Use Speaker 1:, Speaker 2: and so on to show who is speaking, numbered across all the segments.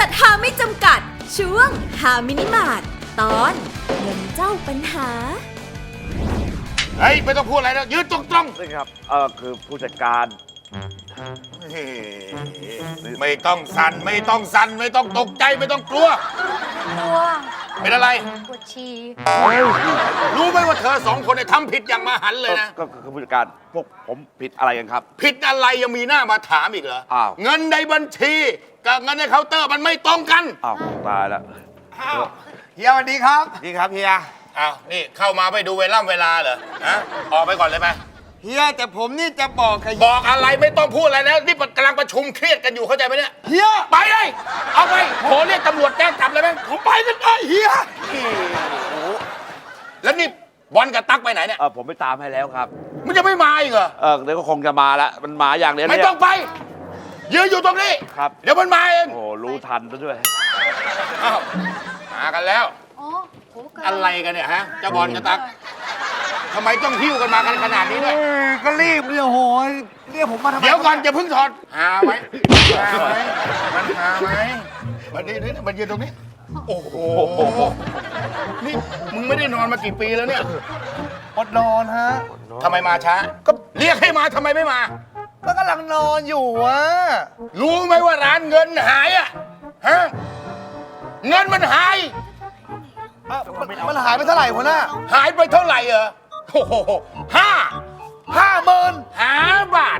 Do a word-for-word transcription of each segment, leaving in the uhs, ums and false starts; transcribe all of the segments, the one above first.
Speaker 1: ษัทหาไม่จำกัดช่วงหามินิมาร์ทตอนเงินเจ้าปัญหา
Speaker 2: เฮ้ยไม่ต้องพูดอะไรแล้วยืนตรงๆ
Speaker 3: นี่ครับเออคือผู้จัดการ
Speaker 2: ไม่ต้องสั่นไม่ต้องสั่นไม่ต้องตกใจไม่ต้องกลัว
Speaker 4: กลัว
Speaker 2: เป็นอะไร
Speaker 4: ปวดฉี่
Speaker 2: รู้ไหมว่าเธอสองคนเนี่ยทำผิดอย่างมหันต์เลยนะ
Speaker 3: ก็คือผู้จัดการพวกผมผิดอะไรกันครับ
Speaker 2: ผิดอะไรยังมีหน้ามาถามอีกเหรอ
Speaker 3: อ้าว
Speaker 2: เงินในบัญชีกับเงินในเคาน์เตอร์มันไม่ตรงกัน
Speaker 3: อ้าวตายแล้ว
Speaker 2: อ้าว
Speaker 5: เฮียสวัสดีครับ
Speaker 2: ดีครับเฮียอ้าวนี่เข้ามาไม่ดูเวล่ำเวลาเหรอฮะออกไปก่อนเลยไหม
Speaker 5: เฮียแต่ผมนี่จะบอกกับ
Speaker 2: บอกอะไรไม่ต้องพูดอะไรแล้วนี่กำลังประชุมเครียดกันอยู่เข้าใจไหมเนี่ย
Speaker 5: เฮีย
Speaker 2: ไปเลยเอาไปโทรเรียกตำรวจแจ้งจับเลยไหมผมไปกันเลยเฮียแล้วนี่บอลกับตั๊กไปไหนเนี่ย
Speaker 3: เออผมไปตามให้แล้วครับ
Speaker 2: มันจะไม่มาอีกเหรอ
Speaker 3: เออเดี๋ยวก็คงจะมาแล้วมันมาอย่างเดียว
Speaker 2: ไม่
Speaker 3: เนี่ย
Speaker 2: ต้องไปยืนอยู่ตรงนี้
Speaker 3: ครับ
Speaker 2: เดี๋ยวมันมาเอง
Speaker 3: โอ้รู้ทันซะด้วย
Speaker 2: อ้าวมากันแล้ว
Speaker 4: อ๋อโหก
Speaker 2: อะไรกันเนี่ยฮะเจ้าบอลกับตั๊กทำไมต้องหิ้วกันมากันขนาดนี้ด้วย
Speaker 5: เอ้ยก็รีบเนี่ยโหยเรียกผมมาทำไม
Speaker 2: เดี๋ยวก่อนอย่าเพิ่งถอดหาไหมหาไหมมันหาไหมมันนี่นี่มันยืนตรงนี้ โอ้โหนี่มึงไม่ได้นอนมากี่ปีแล้วเนี่ย
Speaker 5: อดนอนฮะ
Speaker 2: ทำไมมาช้า ก็เรียกให้มาทำไมไม่มา
Speaker 5: ก็กำลังนอนอยู่วะ
Speaker 2: รู้ไหมว่าร้านเงินหายอะฮะเงินมันหาย
Speaker 5: อ่ะมันมันหายไปเท่าไหร่หัวหน้า
Speaker 2: หายไปเท่าไหร่เหรอโอ้โหห้า
Speaker 5: ห้าหมื่น
Speaker 2: ห้าบาท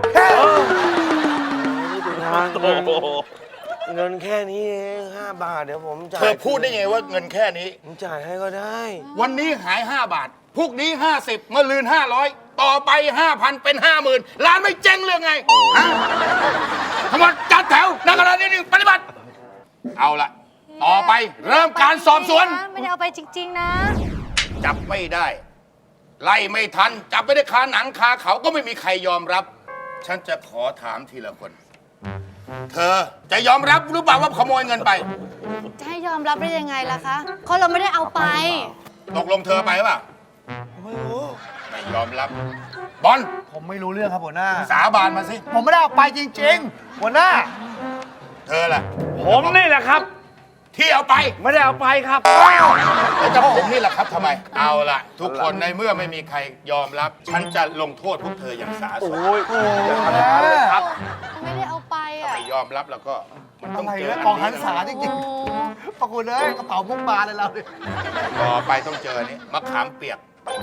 Speaker 3: โอ้โห
Speaker 6: เงินแค่นี้เองห้าบาทเดี๋ยวผมจ่าย
Speaker 2: เธอพูดได้ไงว่าเงินแค่นี้
Speaker 6: ผมจ่ายให้ก็ได้
Speaker 2: วันนี้หายห้าบาทพรุ่งนี้ห้าสิบเมื่อลืนห้าร้อยต่อไปห้าพันเป็นห้าหมื่นร้านไม่เจ๊งเรื่องไงฮะทั้งหมดจัดแถวนักการนี้ปฏิบัติ เอาละต่อไปเริ่มการสอบสวน
Speaker 4: ไม่ได้เอาไปจริง ๆ นะ
Speaker 2: จับไม่ได้ ไล่ไม่ทัน จับไม่ได้คาหนังคาเขาก็ไม่มีใครยอมรับ ฉันจะขอถามทีละคน เธอจะยอมรับหรือเปล่าว่าขโมยเงินไป
Speaker 4: จะให้ยอมรับได้ยังไงล่ะคะเขาเราไม่ได้เอาไป
Speaker 2: ตกลงเธอไปหรือเปล่า
Speaker 5: ไม่รู้
Speaker 2: ไม่ยอมรับ บอล
Speaker 5: ผมไม่รู้เรื่องครับหัวหน้า
Speaker 2: สาบานมาสิ
Speaker 5: ผมไม่ได้เอาไปจริงๆ หัวหน้า
Speaker 2: เธอล่ะ
Speaker 3: ผมนี่แหละครับ
Speaker 2: ที่เอาไป
Speaker 3: ไม่ได้เอาไปครับ
Speaker 2: แล้วจะผมนี่แหละครับทำไม เอาล่ะ ทุกคนในเมื่อไม่มีใครยอมรับ ฉันจะลงโทษพวกเธออย่างสาสม
Speaker 3: โอ้ยอย่าทำอย่างนั้นเลยครับ
Speaker 4: ไม่ได้เอาไปอ่ะ
Speaker 2: ไม่ยอมรับแล้วก็มันต้
Speaker 5: อะ
Speaker 2: อง
Speaker 5: ไร
Speaker 2: เจอ
Speaker 5: นะ
Speaker 2: อัน
Speaker 5: กองหัน
Speaker 2: นี้
Speaker 5: ษาจริง
Speaker 4: โอ้
Speaker 5: ๆปรากฏเลยกระเป๋ามุกบาเลยเราเนี่ย
Speaker 2: ต่อไปต้องเจออันนี้มะขามเปียก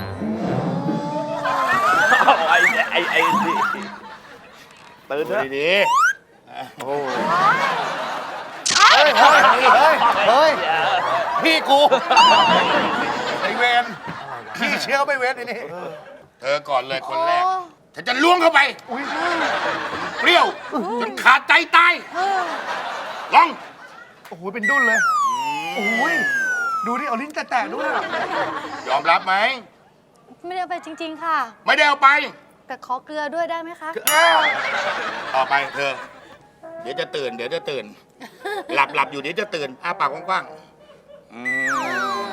Speaker 3: เอาไอ้ไอ้ไอ้นี่ตื่น
Speaker 2: ดู
Speaker 3: เถอะ
Speaker 2: ดี
Speaker 5: เฮ้ยเฮ้ยเฮ้ยเฮ้ยพี่กูไอเวนพี่เชื่อไม่เวนไอ้นี่
Speaker 2: ๆเธอก่อนเลยคนแรกฉันจะล้วงเข้าไปเปรี้ยวจนขาดใจตายลอง
Speaker 5: โอ้โหเป็นดุ้นเลยโอ้ยดูดิเอาลิ้นแตะๆด้วย
Speaker 2: ยอมรับไหม
Speaker 4: ไม่ได้เอาไปจริง ๆ ค่ะ
Speaker 2: ไม่ได้เอาไป
Speaker 4: แต่ขอเกลือด้วยได้ไหมคะ
Speaker 2: ต่อไปเธอ เดี๋ยวจะตื่น เดี๋ยวจะตื่น หลับหลับอยู่เดี๋ยวจะตื่นอ้าปากกว้างๆอืม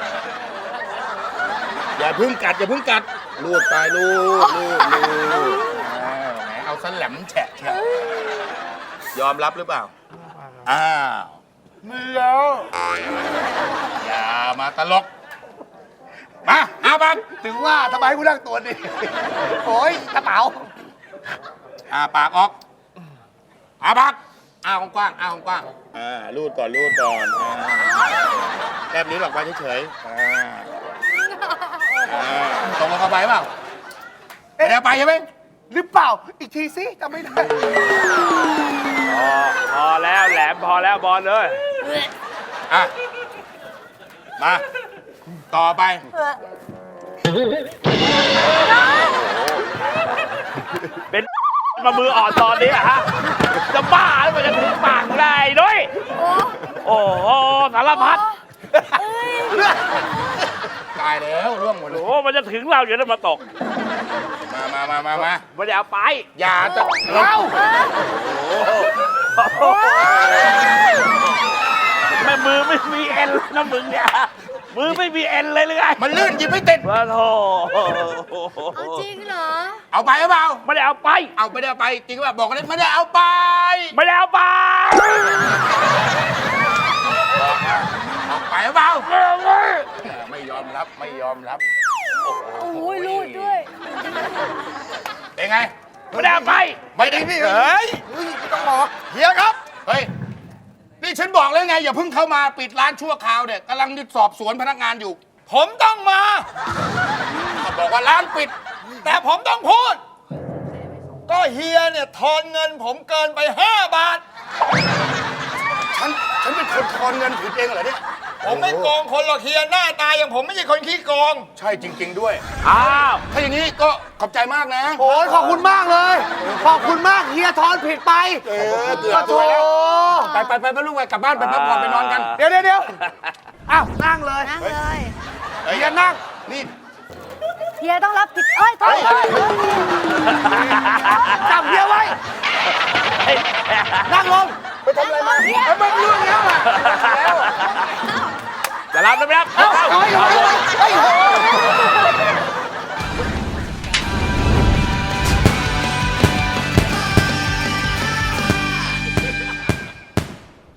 Speaker 2: อย่าพึ่งกัดอย่าพึ่งกัดลูดไปลูดลูดลูดอ้าวแหมเอาสนแหลมแฉะแฉะยอมรับหรือเปล่าอ้าวไม่แล้วอย่ามาตลก มาอาบัง
Speaker 5: ถึงว่าทำไมกูนั่งตัวนี่โอ้ยกระเป๋า
Speaker 2: อาปากออกอาปากอ้าวกว้างอ้าวกว้างอ่าลูดก่อนลูดก่อนอ่าแลบนิ้วหลอกไปเฉยๆอ่าอ่าตรงลงเข้าไปเปล่าไม่ได้เอาไปใช่ไหม
Speaker 5: หรือเปล่าอีกทีสิจำไม่ได้
Speaker 3: พอพอแล้วแหลมพอแล้วบอลเลย
Speaker 2: อ่ะมา ต่อไป
Speaker 3: เป็นมามืออ่อนตอนนี้อะฮะ จะบ้าหรือเปล่าจะถึงปากได้ด้วย โอ้โหสารพัด
Speaker 2: ตายแล้วร่วงหมดเล
Speaker 3: โอ้
Speaker 2: ย
Speaker 3: โหมันจะถึงเราอยู่แล้วมาตก
Speaker 2: มามามามามา
Speaker 3: ไม่ได้เอาไป
Speaker 2: อย่าจะเรา
Speaker 3: แม่มือไม่มีเอ็นเลยนะมึงเนี่ย มือไม่มีเอ็นเลยหรือไง
Speaker 2: มันลื่นหยิบไม่ติด
Speaker 3: มาโถ
Speaker 4: เอาจริงเหรอ
Speaker 2: เอาไปหรือเปล่า
Speaker 3: ไม่ได้เอาไป
Speaker 2: เอาไม่ได้เอาไปจริงหรือเปล่าบอกกันเลยไม่ได้เอาไป
Speaker 3: ไม่ได้เอาไป
Speaker 2: ไม่ยอมรับ
Speaker 4: โอ้ยรูดด้วย
Speaker 2: เป็นไง
Speaker 3: ไม่ได้เอาไป
Speaker 2: ไม่ได้พี่
Speaker 5: เฮ้ยเฮ้ยไม่ต้องบอกเฮียครับ
Speaker 2: เฮ้ย นี่ฉันบอกแล้วไง อย่าเพิ่งเข้ามาปิดร้านชั่วคราวเนี่ยกำลังสอบสวนพนักงานอยู่
Speaker 5: ผมต้องมา
Speaker 2: บอกว่าร้านปิด
Speaker 5: แต่ผมต้องพูด ก็เฮียเนี่ยทอนเงินผมเกินไปห้าบาท
Speaker 2: ฉัน ฉันเป็นคนทอนเงินผิดเองเหรอเนี่ย
Speaker 5: ผมไม่โกงคนหรอกเฮียหน้าตาอย่างผมไม่ใช่คนขี้โกง
Speaker 2: ใช่จริง ๆ ด้วย
Speaker 3: อ้าว
Speaker 2: ถ้าอย่างนี้ก็ขอบใจมากนะ
Speaker 6: โอ้ยขอบคุณมากเลย ขอบคุณมากเฮียทอนผิดไป
Speaker 2: เออเกือบตัวแล้ว ไปไปไปไปลูกไปกลับบ้านไปพักผ่อนไปนอนกัน
Speaker 6: เดี๋ยวเดี๋ยวเดี๋ยวอ้าวนั่งเลย
Speaker 4: นั่งเลย
Speaker 2: เฮ้ยอย่านั่ง นี่
Speaker 4: เฮียต้องรับผิด เอ้ยโทษโทษโทษ
Speaker 6: จับเฮียไว้ นั่งลง
Speaker 2: ไปทำอะไรมาเอ้ยมันเรื่องแล้วอ่ะแล้ว
Speaker 3: จะรับหรือไม่รับ
Speaker 6: เอ้าเฮ้ยเฮ้ยเฮ้ย